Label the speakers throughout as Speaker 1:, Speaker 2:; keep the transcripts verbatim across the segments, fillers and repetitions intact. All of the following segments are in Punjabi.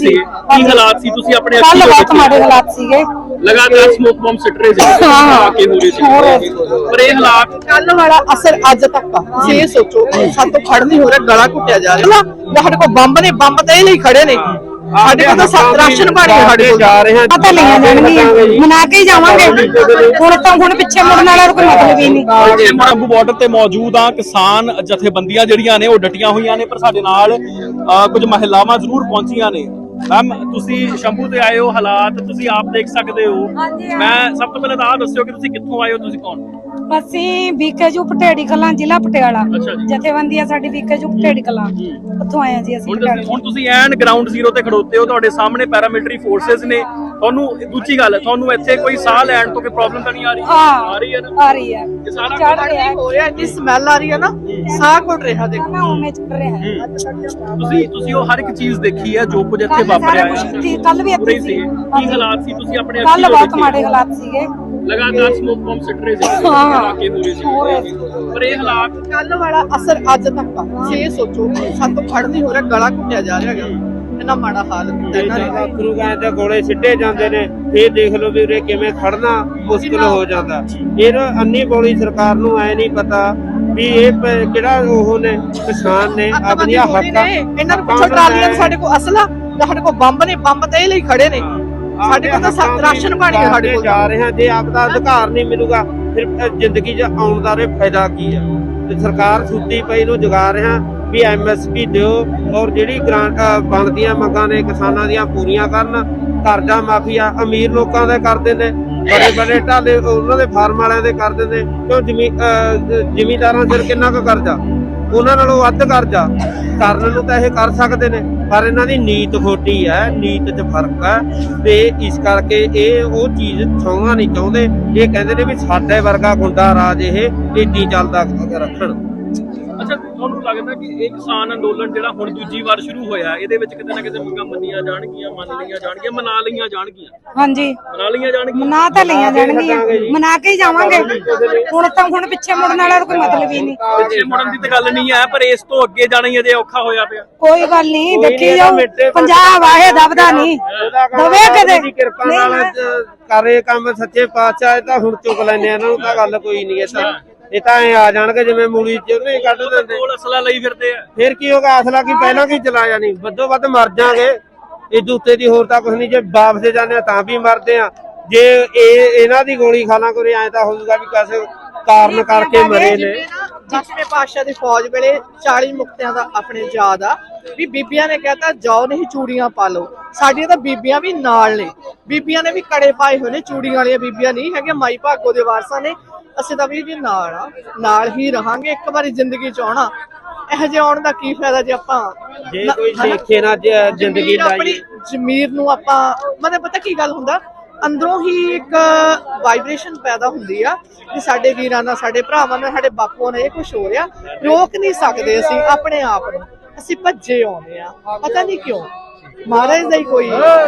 Speaker 1: ਸੀ ਕੀ ਹਾਲਾਤ ਸੀ ਤੁਸੀਂ ਆਪਣੇ
Speaker 2: ਕੱਲ ਬਹੁਤ ਮਾੜੇ ਹਾਲਾਤ ਸੀਗੇ
Speaker 1: ਲਗਾਤਾਰ ਸਮੋਕ ਬੰਬ ਸਿੱਟ ਰਹੇ ਸੀ
Speaker 2: ਹਾਂ
Speaker 1: ਕੇ ਹੋ ਰਹੇ ਸੀ ਪਰ ਇਹ ਹਾਲਾਤ
Speaker 3: ਕੱਲ ਵਾਲਾ ਅਸਰ ਅੱਜ ਤੱਕ ਆ ਤੁਸੀਂ ਇਹ ਸੋਚੋ ਸਾਡੇ ਤੋਂ ਖੜ ਨਹੀਂ ਹੋ ਰਿਹਾ ਗਲਾ ਘੁੱਟਿਆ ਜਾ ਰਿਹਾ ਨਾ ਸਾਡੇ ਕੋਲ ਬੰਬ ਨੇ ਬੰਬ ਤੇ ਇਹ ਲਈ ਖੜੇ ਨੇ ਸਾਡੇ ਕੋਲ ਤਾਂ ਰਾਸ਼ਨ ਪਾਣੀ ਸਾਡੇ ਕੋਲ
Speaker 4: ਜਾ ਰਹੇ ਹਾਂ
Speaker 2: ਪਤਾ ਲਈਆਂ ਜਾਣਗੀਆਂ ਮਨਾ ਕੇ ਹੀ ਜਾਵਾਂਗੇ ਹੁਣ ਤਾਂ ਹੁਣ ਪਿੱਛੇ ਮੁੜਨ ਵਾਲਾ ਕੋਈ ਮਤਲਬ ਹੀ ਨਹੀਂ
Speaker 1: ਸ਼ੰਭੂ ਬਾਰਡਰ ਤੇ ਮੌਜੂਦ ਆ ਕਿਸਾਨ ਜਥੇਬੰਦੀਆਂ ਜਿਹੜੀਆਂ ਨੇ ਉਹ ਡਟੀਆਂ ਹੋਈਆਂ ਨੇ ਪਰ ਸਾਡੇ ਨਾਲ ਕੁਝ ਮਹਿਲਾਵਾਂ ਜ਼ਰੂਰ ਪਹੁੰਚੀਆਂ ਨੇ ਮੈਮ ਤੁਸੀਂ ਸ਼ੰਭੂ ਤੇ ਆਏ ਹੋ ਹਾਲਾਤ ਤੁਸੀਂ ਆਪ ਦੇਖ ਸਕਦੇ ਹੋ ਮੈਂ ਸਭ ਤੋਂ ਪਹਿਲਾਂ ਤਾਂ ਆਹ ਦੱਸਿਓ ਕਿ ਤੁਸੀਂ ਕਿੱਥੋਂ ਆਏ ਹੋ ਤੁਸੀਂ ਕੌਣ
Speaker 2: ਅਸੀਂ ਬੀਕੇਯੂ ਪਟੇੜੀ ਕਲਾਂ ਜ਼ਿਲ੍ਹਾ ਪਟਿਆਲਾ ਜਥੇਬੰਦੀ ਆ ਸਾਡੀ ਬੀਕੇਯੂ ਪਟੇੜੀ ਕਲਾਂ ਉੱਥੋਂ ਆਏ ਆ ਜੀ ਅਸੀਂ
Speaker 1: ਹੁਣ ਤੁਸੀਂ ਐਨ ਗਰਾਊਂਡ ਜ਼ੀਰੋ ਤੇ ਖੜੋਤੇ ਹੋ ਤੁਹਾਡੇ ਸਾਹਮਣੇ ਪੈਰਾਮਿਲਟਰੀ ਫੋਰਸਸ ਨੇ ਤੁਹਾਨੂੰ ਦੂਜੀ ਗੱਲ ਤੁਹਾਨੂੰ ਇੱਥੇ ਕੋਈ ਸਾਹ ਲੈਣ ਤੋਂ ਕੋਈ ਪ੍ਰੋਬਲਮ ਤਾਂ ਨਹੀਂ ਆ ਰਹੀ ਆ ਰਹੀ ਹੈ ਨਾ
Speaker 2: ਆ ਰਹੀ ਹੈ
Speaker 1: ਇਹ ਸਾਰਾ
Speaker 2: ਚੜ ਰਿਹਾ
Speaker 3: ਹੋ ਰਿਹਾ ਇੰਨੀ ਸਮੈਲ ਆ ਰਹੀ ਹੈ ਨਾ ਸਾਹ ਘੁੱਟ ਰਿਹਾ ਦੇਖੋ
Speaker 2: ਨਾ ਉਵੇਂ ਚੱਲ ਰਿਹਾ ਹੈ
Speaker 1: ਤੁਸੀਂ ਤੁਸੀਂ ਉਹ ਹਰ ਇੱਕ ਚੀਜ਼ ਦੇਖੀ ਹੈ ਜੋ ਕੁਝ ਇੱਥੇ ਵਾਪਰਿਆ ਹੈ
Speaker 2: ਕੱਲ ਵੀ ਇੱਥੇ ਸੀ
Speaker 1: ਕੀ ਹਾਲਾਤ ਸੀ ਤੁਸੀਂ ਆਪਣੇ
Speaker 2: ਕੱਲ ਬਹੁਤ ਮਾੜੇ ਹਾਲਾਤ ਸੀਗੇ
Speaker 1: ਲਗਾਤਾਰ ਸਮੋਕ ਬੰਬ ਸਿੱਟ ਰਹੇ ਸੀ
Speaker 2: ਹਾਂ
Speaker 1: ਕੇ ਹੋ ਰਹੇ ਸੀ ਪਰ ਇਹ ਹਾਲਾਤ
Speaker 3: ਕੱਲ ਵਾਲਾ ਅਸਰ ਅੱਜ ਤੱਕ ਆ ਤੁਸੀਂ ਇਹ ਸੋਚੋ ਸਾਡੇ ਤੋਂ ਖੜ ਨਹੀਂ ਹੋ ਰਿਹਾ ਗਲਾ ਘੁੱਟਿਆ ਜਾ ਰਿਹਾ ਹੈਗਾ ਇੰਨਾ ਮਾੜਾ ਹਾਲ ਹੁੰਦਾ ਇਹਨਾਂ ਨੇ
Speaker 4: ਗੁਰੂ ਗਾਂ ਦੇ ਗੋਲੇ ਸਿੱਟੇ ਜਾਂਦੇ ਨੇ ਇਹ ਦੇਖ ਲਓ ਵੀ ਉਰੇ ਕਿਵੇਂ ਖੜਨਾ ਮੁਸ਼ਕਲ ਹੋ ਜਾਂਦਾ ਇਹ ਅੰਨੀ ਬੋਲੀ ਸਰਕਾਰ ਨੂੰ ਐ ਨਹੀਂ ਪਤਾ ਵੀ ਇਹ ਕਿਹੜਾ ਉਹ ਨੇ ਕਿਸਾਨ ਨੇ ਆਪਣੀਆਂ ਹੱਕਾਂ
Speaker 3: ਇਹਨਾਂ ਨੂੰ ਪੁੱਛੋ ਟਰਾਲੀਆਂ ਸਾਡੇ ਕੋਲ ਅਸਲਾ ਸਾਡੇ ਕੋਲ ਬੰਬ ਨੇ ਬੰਬ ਤੇ ਇਹ ਲਈ ਖੜੇ ਨੇ ਸਾਡੇ ਕੋਲ ਤਾਂ ਰਾਸ਼ਨ ਪਾਣੀ ਹੈ ਸਾਡੇ ਕੋਲ
Speaker 4: ਜਾ ਰਹੇ ਹਾਂ ਜੇ ਆਪ ਦਾ ਅਧਿਕਾਰ ਨਹੀਂ ਮਿਲੂਗਾ ਫਿਰ ਜ਼ਿੰਦਗੀ 'ਚ ਆਉਣ ਦਾ ਰੇ ਫਾਇਦਾ ਕੀ ਆ ਤੇ ਸਰਕਾਰ ਸੁੱਤੀ ਪਈ ਨੂੰ ਜਗਾ ਰਿਹਾ ਵੀ ਐਮ ਐਸ ਪੀ ਦਿਓ ਔਰ ਜਿਹੜੀ ਗ੍ਰਾਂਟ ਬਣਦੀਆਂ ਮੰਗਾਂ ਨੇ ਕਿਸਾਨਾਂ ਦੀਆਂ ਪੂਰੀਆਂ ਕਰਨ ਕਰਜ਼ਾ ਮਾਫੀਆ ਅਮੀਰ ਲੋਕਾਂ ਦੇ ਕਰਦੇ ਨੇ ਬੜੇ ਬੜੇ ਢਾਲੇ ਉਹਨਾਂ ਦੇ ਫਾਰਮ ਵਾਲਿਆਂ ਦੇ ਕਰਦੇ ਨੇ ਕਿਉਂ ਜ਼ਮੀਨ ਜ਼ਿਮੀਂਦਾਰਾਂ ਸਿਰ ਕਿੰਨਾ ਕੁ ਕਰਜ਼ਾ ਉਹਨਾਂ ਨਾਲੋਂ ਵੱਧ ਕਰਜ਼ਾ ਕਰਨ ਨੂੰ ਤਾਂ ਇਹ ਕਰ ਸਕਦੇ ਨੇ ਪਰ ਇਹਨਾਂ ਦੀ ਨੀਤ ਖੋਟੀ ਹੈ ਨੀਤ 'ਚ ਫਰਕ ਹੈ ਤੇ ਇਸ ਕਰਕੇ ਇਹ ਉਹ ਚੀਜ਼ ਛਾਉਣਾ ਨਹੀਂ ਚਾਹੁੰਦੇ ਇਹ ਕਹਿੰਦੇ ਨੇ ਵੀ ਸਾਡੇ ਵਰਗਾ ਗੁੰਡਾ ਰਾਜ ਇਹ ਏਡੀ ਚੱਲਦਾ ਰੱਖਣ
Speaker 1: ਅੱਛਾ ਤੁਹਾਨੂੰ ਲੱਗਦਾ ਕਿ ਇਹ ਕਿਸਾਨ ਅੰਦੋਲਨ ਜਿਹੜਾ ਹੁਣ ਦੂਜੀ ਵਾਰ ਸ਼ੁਰੂ ਹੋਇਆ ਇਹਦੇ ਵਿੱਚ ਕਿਤੇ ਨਾ ਕਿਤੇ ਮੰਗਾਂ ਮੰਨੀਆਂ ਜਾਣਗੀਆਂ ਮੰਨ ਲਈਆਂ ਜਾਣਗੀਆਂ ਮਨਾ ਲਈਆਂ ਜਾਣਗੀਆਂ
Speaker 2: ਹਾਂਜੀ
Speaker 1: ਮਨਾ ਲਈਆਂ ਜਾਣਗੀਆਂ
Speaker 2: ਮਨਾ ਤਾਂ ਲਈਆਂ ਜਾਣਗੀਆਂ ਮਨਾ ਕੇ ਹੀ ਜਾਵਾਂਗੇ ਹੁਣ ਤਾਂ ਹੁਣ ਪਿੱਛੇ ਮੁੜਨ ਵਾਲਾ ਕੋਈ ਮਤਲਬ ਹੀ ਨਹੀਂ
Speaker 1: ਪਿੱਛੇ ਮੁੜਨ ਦੀ ਤਾਂ ਗੱਲ ਨਹੀਂ ਹੈ ਪਰ ਇਸ ਤੋਂ ਅੱਗੇ ਜਾਣਾ ਹੀ ਅਜੇ ਔਖਾ ਹੋਇਆ ਪਿਆ
Speaker 2: ਕੋਈ ਗੱਲ ਨਹੀਂ ਦੇਖੀ ਜਾਓ ਪੰਜਾਬ ਆਏ ਦਬਦਾ ਨਹੀਂ ਦਵੇ ਕਦੇ
Speaker 4: ਕਿਰਪਾ ਨਾਲ ਕਰੇ ਕੰਮ ਸੱਚੇ ਪਾਤਸ਼ਾਹ ਤਾਂ ਹੁਣ ਚੁੱਕ ਲੈਣੇ ਇਹਨਾਂ ਨੂੰ ਤਾਂ ਗੱਲ ਕੋਈ ਨਹੀਂ ਇਹ ਤਾਂ ਇਹ ਤਾਂ ਐ ਆ ਜਾਣਗੇ ਜਿਵੇਂ ਮੂਲੀ ਚ ਨਹੀਂ ਕੱਢ ਦਿੰਦੇ
Speaker 1: ਕੋਲ ਅਸਲਾ ਲਈ ਫਿਰਦੇ ਆ
Speaker 4: ਫਿਰ ਕੀ ਹੋਗਾ ਅਸਲਾ ਕੀ ਪਹਿਲਾਂ ਕੀ ਚਲਾਇਆ ਨਹੀਂ ਵੱਧੋ ਵੱਧ ਮਰ ਜਾਾਂਗੇ ਇਹ ਉੱਤੇ ਦੀ ਹੋਰ ਤਾਂ ਕੁਝ ਨਹੀਂ ਜੇ ਵਾਪਸ ਜਾਂਦੇ ਆ ਤਾਂ ਵੀ ਮਰਦੇ ਆ ਜੇ ਇਹ ਇਹਨਾਂ ਦੀ ਗੋਲੀ ਖਾਣਾ ਕੋਈ ਐ ਤਾਂ ਹੋਊਗਾ ਵੀ ਕਿਸੇ ਕਾਰਨ ਕਰਕੇ ਮਰੇ ਨੇ
Speaker 3: ਜਿਵੇਂ ਪਾਤਸ਼ਾਹ ਦੀ ਫੌਜ ਵੇਲੇ ਚਾਲੀ ਮੁਕਤਿਆਂ ਦਾ ਆਪਣੇ ਯਾਦ ਆ ਵੀ ਬੀਬੀਆਂ ਨੇ ਕਹਿਤਾ ਜਾਓ ਨਹੀਂ ਚੂੜੀਆਂ ਪਾ ਲਓ ਸਾਡੀਆਂ ਤਾਂ ਬੀਬੀਆਂ ਵੀ ਨਾਲ ਨੇ ਬੀਬੀਆਂ ਨੇ ਵੀ ਕੜੇ ਪਾਏ ਹੋਏ ਨੇ ਚੂੜੀਆਂ ਵਾਲੀਆਂ ਬੀਬੀਆਂ ਨਹੀਂ ਹੈਗੀਆਂ ਮਾਈ ਭਾਗੋ ਦੇ ਵਾਰਸਾਂ ਨੇ ਅਸੀਂ ਤਾਂ ਵੀ ਜੀ ਨਾਲ ਆ ਨਾਲ ਹੀ ਰਹਾਂਗੇ ਇੱਕ ਵਾਰੀ ਜ਼ਿੰਦਗੀ ਚ ਆਉਣਾ ਇਹੋ ਜਿਹੇ ਆਉਣ ਦਾ ਕੀ ਫਾਇਦਾ ਜੇ ਆਪਾਂ
Speaker 4: ਜੇ ਕੋਈ ਦੇਖੇ ਨਾ ਜ਼ਿੰਦਗੀ
Speaker 3: ਆਪਣੀ ਜ਼ਮੀਰ ਨੂੰ ਆਪਾਂ ਮਤਲਬ ਪਤਾ ਕੀ ਗੱਲ ਹੁੰਦਾ ਅੰਦਰੋਂ ਹੀ ਇੱਕ ਵਾਈਬ੍ਰੇਸ਼ਨ ਪੈਦਾ ਹੁੰਦੀ ਆ ਕਿ ਸਾਡੇ ਵੀਰਾਂ ਨਾਲ ਸਾਡੇ ਭਰਾਵਾਂ ਨਾਲ ਸਾਡੇ ਬਾਪੂਆਂ ਨਾਲ ਇਹ ਕੁਝ ਹੋ ਰਿਹਾ ਰੋਕ ਨਹੀਂ ਸਕਦੇ ਅਸੀਂ ਆਪਣੇ ਆਪ ਨੂੰ ਅਸੀਂ ਭੱਜੇ ਆਉਂਦੇ ਆ ਪਤਾ ਨਹੀਂ ਕਿਉਂ ਮਹਾਰਾਜ ਦਾ ਹੀ ਕੋਈ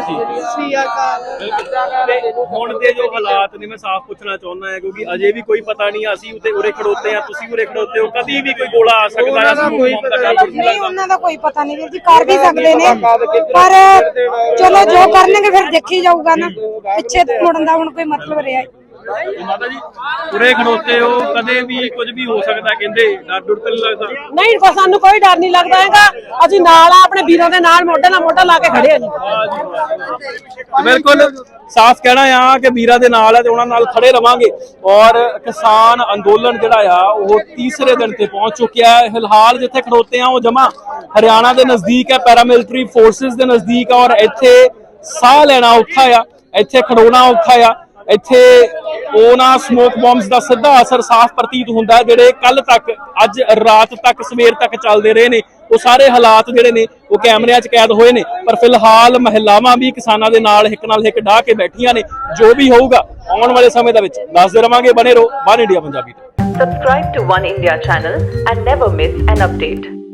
Speaker 1: ਹੁਣ ਦੇ ਜੋ ਹਾਲਾਤ ਨੇ ਮੈਂ ਸਾਫ਼ ਪੁੱਛਣਾ ਚਾਹੁੰਦਾ ਹਾਂ ਕਿਉਂਕਿ ਅਜੇ ਵੀ ਕੋਈ ਪਤਾ ਨਹੀਂ ਅਸੀਂ ਉਤੇ ਉਰੇ ਖੜੋਤੇ ਆ ਤੁਸੀਂ ਉਰੇ ਖੜੋਤੇ ਹੋ ਕਦੀ ਵੀ ਕੋਈ ਗੋਲਾ ਆ ਸਕਦਾ ਹੈ
Speaker 2: ਨਹੀਂ ਉਹਨਾਂ ਦਾ ਕੋਈ ਪਤਾ ਨਹੀਂ ਵੀਰ ਜੀ ਕਰ ਵੀ ਸਕਦੇ ਨੇ ਪਰ ਚਲੋ ਜੋ ਕਰਨਗੇ ਫਿਰ ਦੇਖੀ ਜਾਊਗਾ ਨਾ ਪਿੱਛੇ ਮੁੜਨ ਦਾ ਹੁਣ ਕੋਈ ਮਤਲਬ ਰਿਹਾ
Speaker 1: ਮਾਤਾ ਜੀ ਉਰੇ ਖੜੋਤੇ ਹੋ ਕਦੇ ਵੀ ਕੁਝ ਵੀ ਹੋ ਸਕਦਾ ਕਹਿੰਦੇ ਡਰ ਡੁਰ ਤਾਂ ਨਹੀਂ ਲੱਗਦਾ
Speaker 5: ਨਹੀਂ ਕੋ ਸਾਨੂੰ ਕੋਈ ਡਰ ਨਹੀਂ ਲੱਗਦਾ ਹੈਗਾ ਅਸੀਂ ਨਾਲ ਆ ਆਪਣੇ ਵੀਰਾਂ ਦੇ ਨਾਲ ਮੋਢੇ ਨਾਲ ਮੋਢਾ ਲਾ ਕੇ ਖੜੇ ਆ ਜੀ
Speaker 1: ਬਿਲਕੁਲ ਸਾਫ਼ ਕਹਿਣਾ ਆ ਕਿ ਵੀਰਾਂ ਦੇ ਨਾਲ ਆ ਤੇ ਉਹਨਾਂ ਨਾਲ ਖੜੇ ਰਵਾਂਗੇ ਔਰ ਕਿਸਾਨ ਅੰਦੋਲਨ ਜਿਹੜਾ ਆ ਉਹ ਤੀਸਰੇ ਦਿਨ ਤੇ ਪਹੁੰਚ ਚੁੱਕਿਆ ਹੈ ਫਿਲਹਾਲ ਜਿੱਥੇ ਖੜੋਤੇ ਆ ਉਹ ਜਮਾ ਹਰਿਆਣਾ ਦੇ ਨਜ਼ਦੀਕ ਹੈ ਪੈਰਾਮਿਲਟਰੀ ਫੋਰਸਿਸ ਦੇ ਨਜ਼ਦੀਕ ਆ ਔਰ ਇੱਥੇ ਸਾਹ ਲੈਣਾ ਔਖਾ ਆ ਇੱਥੇ ਖੜੋਣਾ ਔਖਾ ਆ ਇੱਥੇ ਉਹਨਾਂ ਸਮੋਕ ਬੰਬਸ ਦਾ ਸਿੱਧਾ ਅਸਰ ਸਾਫ਼ ਪ੍ਰਤੀਤ ਹੁੰਦਾ ਜਿਹੜੇ ਕੱਲ ਤੱਕ ਅੱਜ ਰਾਤ ਤੱਕ ਸਵੇਰ ਤੱਕ ਚੱਲਦੇ ਰਹੇ ਨੇ ਉਹ ਸਾਰੇ ਹਾਲਾਤ ਜਿਹੜੇ ਨੇ ਉਹ ਕੈਮਰਿਆਂ 'ਚ ਕੈਦ ਹੋਏ ਨੇ ਪਰ ਫਿਲਹਾਲ ਮਹਿਲਾਵਾਂ ਵੀ ਕਿਸਾਨਾਂ ਦੇ ਨਾਲ ਹਿੱਕ ਨਾਲ ਹਿੱਕ ਢਾਹ ਕੇ ਬੈਠੀਆਂ ਨੇ ਜੋ ਵੀ ਹੋਊਗਾ ਆਉਣ ਵਾਲੇ ਸਮੇਂ ਦੇ ਵਿੱਚ ਦੱਸਦੇ ਰਵਾਂਗੇ ਬਣੇ ਰਹੋ ਵਨ ਇੰਡੀਆ ਪੰਜਾਬੀ ਤੇ
Speaker 6: Subscribe to One India channel and never miss an update.